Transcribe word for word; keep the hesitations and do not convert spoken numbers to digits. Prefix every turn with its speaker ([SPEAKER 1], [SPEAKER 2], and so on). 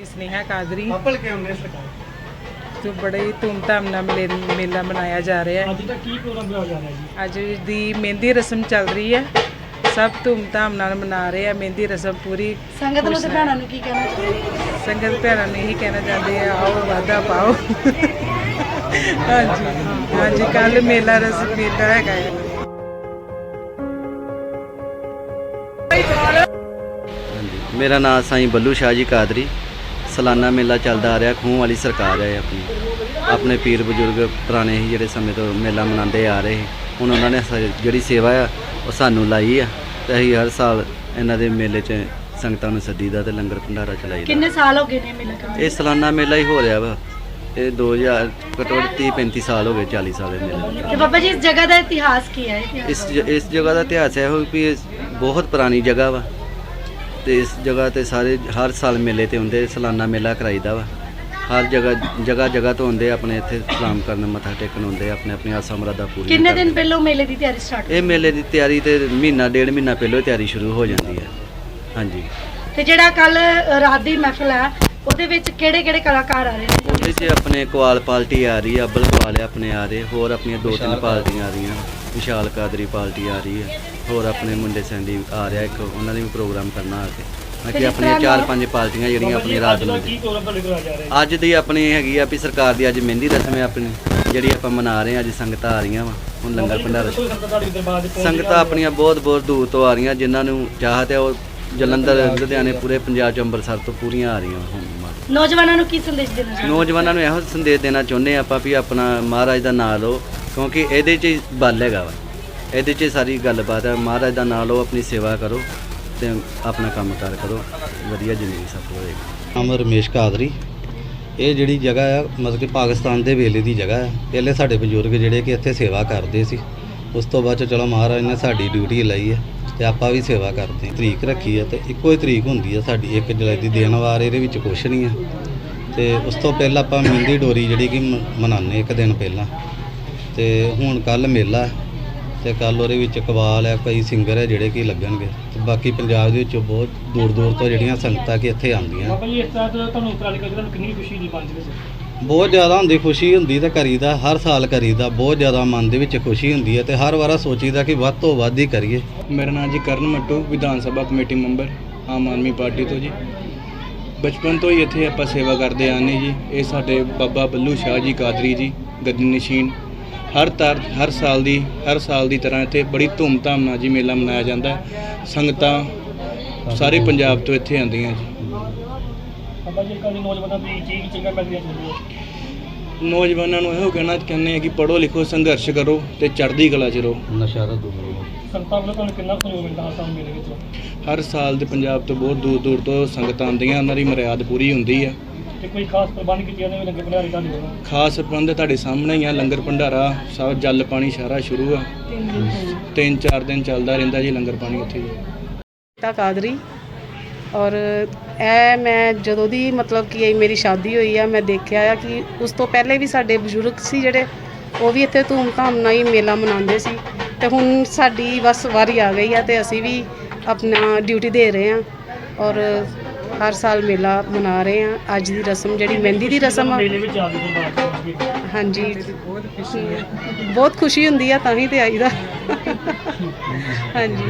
[SPEAKER 1] स्नेहा कादरी
[SPEAKER 2] पल के हमने सरकार
[SPEAKER 1] तो बड़े ही धूमधाम नाल मेले- मेला मनाया जा रहा है।
[SPEAKER 2] ਅੱਜ ਦਾ ਕੀ ਪ੍ਰੋਗਰਾਮ ਬਣਾਇਆ ਜਾ ਰਿਹਾ ਜੀ
[SPEAKER 1] ਅੱਜ ਦੀ ਮਹਿੰਦੀ ਰਸਮ ਚੱਲ ਰਹੀ ਹੈ। ਸਭ ਧੂਮਧਾਮ ਨਾਲ ਮਨਾ ਰਹੇ ਆ ਮਹਿੰਦੀ ਰਸਮ ਪੂਰੀ।
[SPEAKER 3] ਸੰਗਤ ਨੂੰ ਤੇ ਭੈਣਾਂ ਨੂੰ ਕੀ ਕਹਿਣਾ ਚਾਹੁੰਦੇ?
[SPEAKER 1] ਸੰਗਤ ਭੈਣਾਂ ਨੂੰ ਇਹੀ ਕਹਿਣਾ ਚਾਹੁੰਦੇ ਆ, ਆਓ ਵਾਧਾ ਪਾਓ। ਹਾਂਜੀ ਹਾਂਜੀ ਕੱਲ ਮੇਲਾ ਰਸਮ ਮੇਲਾ ਹੈਗਾ ਹੈ।
[SPEAKER 4] ਹਾਂਜੀ ਮੇਰਾ ਨਾਮ ਸਾਈਂ ਬੱਲੂ ਸ਼ਾਹ ਜੀ ਕਾਦਰੀ। ਸਾਲਾਨਾ ਮੇਲਾ ਚੱਲਦਾ ਆ ਰਿਹਾ। ਖੂਹ ਵਾਲੀ ਸਰਕਾਰ ਹੈ ਆਪਣੀ, ਆਪਣੇ ਪੀਰ ਬਜ਼ੁਰਗ ਪੁਰਾਣੇ ਹੀ ਜਿਹੜੇ ਸਮੇਂ ਤੋਂ ਮੇਲਾ ਮਨਾਉਂਦੇ ਆ ਰਹੇ। ਹੁਣ ਉਹਨਾਂ ਨੇ ਸ- ਜਿਹੜੀ ਸੇਵਾ ਆ ਉਹ ਸਾਨੂੰ ਲਾਈ ਆ ਤੇ ਅਸੀਂ ਹਰ ਸਾਲ ਇਹਨਾਂ ਦੇ ਮੇਲੇ 'ਚ ਸੰਗਤਾਂ ਨੂੰ ਸੱਦੀਦਾ ਤੇ ਲੰਗਰ ਭੰਡਾਰਾ ਚਲਾਈਦਾ।
[SPEAKER 3] ਕਿੰਨੇ ਸਾਲ ਹੋ ਗਏ ਨੇ ਮੇਲਾ ਕਰਦੇ?
[SPEAKER 4] ਇਹ ਸਾਲਾਨਾ ਮੇਲਾ ਹੀ ਹੋ ਰਿਹਾ ਵਾ। ਇਹ ਦੋ ਹਜ਼ਾਰ ਘੱਟੋ ਘੱਟ ਤੀਹ ਪੈਂਤੀ ਸਾਲ ਹੋ ਗਏ, ਚਾਲੀ ਸਾਲ ਇਹ ਮੇਲੇ ਨੂੰ।
[SPEAKER 3] ਤੇ ਬਾਬਾ ਜੀ ਇਸ ਜਗ੍ਹਾ ਦਾ ਇਤਿਹਾਸ ਕੀ ਹੈ? ਇਤਿਹਾਸ
[SPEAKER 4] ਇਸ ਜ- ਇਸ ਜਗ੍ਹਾ ਦਾ ਇਤਿਹਾਸ ਇਹੋ ਵੀ ਇਹ ਬਹੁਤ ਪੁਰਾਣੀ ਜਗ੍ਹਾ ਵਾ ਤੇ ਇਸ ਜਗ੍ਹਾ ਤੇ ਸਾਰੇ ਹਰ ਸਾਲ ਮੇਲੇ ਤੇ ਹੁੰਦੇ। ਸਾਲਾਨਾ ਮੇਲਾ ਕਰਾਈਦਾ ਵਾ। ਹਰ ਜਗ੍ਹਾ ਜਗ੍ਹਾ ਜਗ੍ਹਾ ਤੋਂ ਹੁੰਦੇ ਆਪਣੇ ਇੱਥੇ ਸਲਾਮ ਕਰਨ ਮੱਥਾ ਟੇਕਣ ਹੁੰਦੇ, ਆਪਣੇ ਆਪਣੀ ਆਸਾਂ ਮੁਰਾਦਾਂ ਪੂਰੀਆਂ
[SPEAKER 3] ਕਿੰਨੇ
[SPEAKER 4] ਕਰਦੇ।
[SPEAKER 3] ਦਿਨ ਪਹਿਲਾਂ ਮੇਲੇ ਦੀ ਤਿਆਰੀ ਸਟਾਰਟ?
[SPEAKER 4] ਇਹ ਮੇਲੇ ਦੀ ਤਿਆਰੀ ਤੇ ਮਹੀਨਾ ਡੇਢ ਮਹੀਨਾ ਪਹਿਲਾਂ ਹੀ ਤਿਆਰੀ ਸ਼ੁਰੂ ਹੋ ਜਾਂਦੀ ਹੈ। ਹਾਂਜੀ
[SPEAKER 3] ਤੇ ਜਿਹੜਾ ਕੱਲ ਰਾਤ ਦੀ ਮਹਿਫਲ ਹੈ ਉਹਦੇ ਵਿੱਚ ਕਿਹੜੇ ਕਿਹੜੇ ਕਲਾਕਾਰ ਆ ਰਹੇ ਨੇ?
[SPEAKER 4] ਉਹਦੇ 'ਚ ਆਪਣੇ ਕਵਾਲ ਪਾਰਟੀ ਆ ਰਹੀ ਹੈ, ਅੱਬਲ ਕਵਾਲ ਆਪਣੇ ਆ ਰਹੇ, ਹੋਰ ਆਪਣੀਆਂ ਦੋ ਤਿੰਨ ਪਾਰਟੀਆਂ ਆ ਰਹੀਆਂ। ਵਿਸ਼ਾਲ ਕਾਦਰੀ ਪਾਰਟੀ ਆ ਰਹੀ ਹੈ, ਹੋਰ ਆਪਣੇ ਮੁੰਡੇ ਸੈਂਡੀ ਆ ਰਿਹਾ ਇੱਕ, ਉਹਨਾਂ ਨੇ ਵੀ ਪ੍ਰੋਗਰਾਮ ਕਰਨਾ ਆ ਕੇ। ਮੈਂ ਕਿ ਆਪਣੀਆਂ ਚਾਰ ਪੰਜ ਪਾਰਟੀਆਂ ਜਿਹੜੀਆਂ ਆਪਣੀ ਰਾਤ ਨੂੰ
[SPEAKER 2] ਕੀ ਪ੍ਰੋਗਰਾਮ ਤੁਹਾਡੇ ਕੋਲ ਆ ਜਾ ਰਿਹਾ
[SPEAKER 4] ਅੱਜ ਦੀ ਆਪਣੀ ਹੈਗੀ ਆ ਵੀ ਸਰਕਾਰ ਦੀ ਅੱਜ ਮਹਿੰਦੀ ਰਸਮ ਹੈ ਆਪਣੀ, ਜਿਹੜੀ ਆਪਾਂ ਮਨਾ ਰਹੇ ਹਾਂ। ਅੱਜ ਸੰਗਤਾਂ ਆ ਰਹੀਆਂ ਵਾ, ਹੁਣ ਲੰਗਰ ਭੰਡਾਰਾ।
[SPEAKER 2] ਸੰਗਤਾਂ ਤੁਹਾਡੇ ਦਰਬਾਰ ਦੇ ਪਹੁੰਚ
[SPEAKER 4] ਸੰਗਤਾਂ ਆਪਣੀਆਂ ਬਹੁਤ ਬਹੁਤ ਦੂਰ ਤੋਂ ਆ ਰਹੀਆਂ, ਜਿਨ੍ਹਾਂ ਨੂੰ ਚਾਹਤ ਹੈ ਉਹ ਜਲੰਧਰ ਲੁਧਿਆਣੇ ਪੂਰੇ ਪੰਜਾਬ ਚ ਅੰਮ੍ਰਿਤਸਰ ਤੋਂ ਪੂਰੀਆਂ ਆ ਰਹੀਆਂ ਹੁਣ।
[SPEAKER 3] ਨੌਜਵਾਨਾਂ ਨੂੰ ਕੀ ਸੰਦੇਸ਼ ਦੇਣਾ ਚਾਹੁੰਦੇ?
[SPEAKER 4] ਨੌਜਵਾਨਾਂ ਨੂੰ ਇਹੋ ਸੰਦੇਸ਼ ਦੇਣਾ ਚਾਹੁੰਦੇ ਆਪਾਂ ਵੀ ਆਪਣਾ ਮਹਾਰਾਜ ਦਾ ਨਾਮ ਲਓ, ਕਿਉਂਕਿ ਇਹਦੇ 'ਚ ਹੀ ਬਲ ਹੈਗਾ ਵਾ, ਇਹਦੇ 'ਚ ਹੀ ਸਾਰੀ ਗੱਲਬਾਤ ਹੈ। ਮਹਾਰਾਜ ਦਾ ਨਾਮ ਲਓ, ਆਪਣੀ ਸੇਵਾ ਕਰੋ ਤੇ ਆਪਣਾ ਕੰਮ ਕਾਰ ਕਰੋ, ਵਧੀਆ ਜ਼ਿੰਦਗੀ ਸਫਲ ਹੋਏਗੀ।
[SPEAKER 5] ਨਾਮ ਰਮੇਸ਼ ਕਾਦਰੀ। ਇਹ ਜਿਹੜੀ ਜਗ੍ਹਾ ਆ ਮਤਲਬ ਕਿ ਪਾਕਿਸਤਾਨ ਦੇ ਵੇਲੇ ਦੀ ਜਗ੍ਹਾ ਆ। ਪਹਿਲੇ ਸਾਡੇ ਬਜ਼ੁਰਗ ਜਿਹੜੇ ਕਿ ਇੱਥੇ ਸੇਵਾ ਕਰਦੇ ਸੀ, ਉਸ ਤੋਂ ਬਾਅਦ 'ਚ ਚਲੋ ਮਹਾਰਾਜ ਨੇ ਸਾਡੀ ਡਿਊਟੀ ਲਈ ਹੈ ਤੇ ਆਪਾਂ ਵੀ ਸੇਵਾ ਕਰਦੇ ਹਾਂ। ਤਰੀਕ ਰੱਖੀ ਹੈ ਤੇ ਇੱਕੋ ਹੀ ਤਰੀਕ ਹੁੰਦੀ ਹੈ ਸਾਡੀ, ਇੱਕ ਜੁਲਾਈ ਦੀ ਦਿਨ ਵਾਰ, ਇਹਦੇ ਵਿੱਚ ਕੁਛ ਨਹੀਂ ਹੈ। ਤੇ ਉਸ ਤੋਂ ਪਹਿਲਾਂ ਆਪਾਂ ਮਹਿੰਦੀ ਡੋਰੀ ਜਿਹੜੀ ਕਿ ਮ- ਮਨਾਉਂਦੇ ਇੱਕ ਦਿਨ ਪਹਿਲਾਂ। ਤੇ ਹੁਣ ਕੱਲ ਮੇਲਾ ਤੇ ਕੱਲ ਉਹਦੇ ਵਿੱਚ ਕਵਾਲ ਹੈ, ਕਈ ਸਿੰਗਰ ਹੈ ਜਿਹੜੇ ਕਿ ਲੱਗਣਗੇ ਤੇ ਬਾਕੀ ਪੰਜਾਬ ਦੇ ਵਿੱਚੋਂ ਬਹੁਤ ਦੂਰ ਦੂਰ ਤੋਂ ਜਿਹੜੀਆਂ ਸੰਗਤਾਂ ਕਿ ਇੱਥੇ ਆਉਂਦੀਆਂ।
[SPEAKER 2] ਬਾਬਾ ਜੀ ਇਸ ਤਰ੍ਹਾਂ ਤੋਂ ਤੁਹਾਨੂੰ ਉਪਰਾਲੇ ਕਰਕੇ ਤੁਹਾਨੂੰ ਕਿੰਨੀ ਖੁਸ਼ੀ ਦੀ ਪੰਜ ਵਿੱਚ?
[SPEAKER 5] ਬਹੁਤ ਜ਼ਿਆਦਾ ਹੁੰਦੀ ਖੁਸ਼ੀ ਹੁੰਦੀ ਤੇ ਕਰੀਦਾ, ਹਰ ਸਾਲ ਕਰੀਦਾ। ਬਹੁਤ ਜ਼ਿਆਦਾ ਮਨ ਦੇ ਵਿੱਚ ਖੁਸ਼ੀ ਹੁੰਦੀ ਹੈ ਤੇ ਹਰ ਵਾਰਾ ਸੋਚੀਦਾ ਕਿ ਵੱਧ ਤੋਂ ਵੱਧ ਹੀ ਕਰੀਏ।
[SPEAKER 6] ਮੇਰਾ ਨਾਮ ਜੀ Karan Mattu, Vidhan Sabha committee member Aam Aadmi Party ਤੋਂ ਜੀ। ਬਚਪਨ ਤੋਂ ਹੀ ਇੱਥੇ ਆਪਾਂ ਸੇਵਾ ਕਰਦੇ ਆਨੇ ਜੀ। ਇਹ ਸਾਡੇ ਬਾਬਾ ਬੱਲੂ ਸ਼ਾਹ ਜੀ ਕਾਦਰੀ ਜੀ ਗੱਦੀ ਨਸ਼ੀਨ। ਹਰ ਤਰ ਹਰ ਸਾਲ ਦੀ ਹਰ ਸਾਲ ਦੀ ਤਰ੍ਹਾਂ ਇੱਥੇ ਬੜੀ ਧੂਮਧਾਮ ਨਾਲ ਜੀ ਮੇਲਾ ਮਨਾਇਆ ਜਾਂਦਾ ਹੈ। ਸੰਗਤਾਂ ਸਾਰੇ ਪੰਜਾਬ ਤੋਂ ਇੱਥੇ ਆਉਂਦੀਆਂ ਜੀ।
[SPEAKER 2] ਬਾਬਾ ਜੀ ਕੱਲ ਨੌਜਵਾਨਾਂ ਦੀ ਚੀਜ਼ ਚੰਗਾ ਪੈਦੀਆਂ ਚਾਹੀਦੀ ਹੈ।
[SPEAKER 6] ਨੌਜਵਾਨਾਂ ਨੂੰ ਇਹੋ ਕਹਿਣਾ ਚਾਹੁੰਦੇ ਆ ਕਿ ਪੜ੍ਹੋ ਲਿਖੋ, ਸੰਘਰਸ਼ ਕਰੋ ਤੇ ਚੜ੍ਹਦੀ ਕਲਾ 'ਚ ਰਹੋ।
[SPEAKER 5] ਨਸ਼ਾ ਤੋਂ ਦੂਰ ਰਹੋ।
[SPEAKER 2] ਸੰਗਤਾਂ ਵੱਲੋਂ ਤੁਹਾਨੂੰ ਕਿੰਨਾ ਸਹਿਯੋਗ ਮਿਲਦਾ ਹਰ ਸਾਲ ਮੇਲੇ ਵਿੱਚ?
[SPEAKER 6] ਹਰ ਸਾਲ ਦੇ ਪੰਜਾਬ ਤੋਂ ਬਹੁਤ ਦੂਰ ਦੂਰ ਤੋਂ ਸੰਗਤਾਂ ਆਉਂਦੀਆਂ, ਉਹਨਾਂ ਦੀ ਮਰਿਆਦ ਪੂਰੀ ਹੁੰਦੀ ਹੈ।
[SPEAKER 2] ਤੇ ਕੋਈ ਖਾਸ ਪ੍ਰਬੰਧ ਕੀਤੇ ਜਾਂਦੇ ਨੇ ਲੰਗਰ ਭੰਡਾਰੇ ਤੁਹਾਡੇ ਵੱਲੋਂ?
[SPEAKER 6] ਖਾਸ ਪ੍ਰਬੰਧ ਤੁਹਾਡੇ ਸਾਹਮਣੇ ਹੀ ਆ। ਲੰਗਰ ਭੰਡਾਰਾ ਸਭ ਜਲ ਪਾਣੀ ਸਾਰਾ ਸ਼ੁਰੂ ਆ। ਤਿੰਨ ਚਾਰ ਦਿਨ ਚੱਲਦਾ ਰਹਿੰਦਾ ਜੀ ਲੰਗਰ ਪਾਣੀ ਇੱਥੇ ਜੀ।
[SPEAKER 7] ਤਾ ਕਾਦਰੀ ਔਰ ਇਹ ਮੈਂ ਜਦੋਂ ਦੀ ਮਤਲਬ ਕਿ ਇਹ ਮੇਰੀ ਸ਼ਾਦੀ ਹੋਈ ਆ, ਮੈਂ ਦੇਖਿਆ ਆ ਕਿ ਉਸ ਤੋਂ ਪਹਿਲੇ ਵੀ ਸਾਡੇ ਬਜ਼ੁਰਗ ਸੀ ਜਿਹੜੇ, ਉਹ ਵੀ ਇੱਥੇ ਧੂਮਧਾਮ ਨਾਲ ਹੀ ਮੇਲਾ ਮਨਾਉਂਦੇ ਸੀ। ਤੇ ਹੁਣ ਸਾਡੀ ਬਸ ਵਾਰੀ ਆ ਗਈ ਆ ਤੇ ਅਸੀਂ ਵੀ ਆਪਣਾ ਡਿਊਟੀ ਦੇ ਰਹੇ ਹਾਂ ਔਰ ਹਰ ਸਾਲ ਮੇਲਾ ਮਨਾ ਰਹੇ ਹਾਂ। ਅੱਜ ਦੀ ਰਸਮ ਜਿਹੜੀ ਮਹਿੰਦੀ ਦੀ ਰਸਮ ਆ,
[SPEAKER 2] ਮੇਲੇ ਵਿੱਚ ਆ ਗਏ ਦਰਬਾਰ ਤੋਂ ਪਹੁੰਚ ਗਏ।
[SPEAKER 7] ਹਾਂਜੀ
[SPEAKER 1] ਬਹੁਤ ਖੁਸ਼ੀ ਹੈ।
[SPEAKER 7] ਬਹੁਤ ਖੁਸ਼ੀ ਹੁੰਦੀ ਆ, ਤਾਂ ਹੀ ਤੇ ਆਈਦਾ। ਹਾਂਜੀ।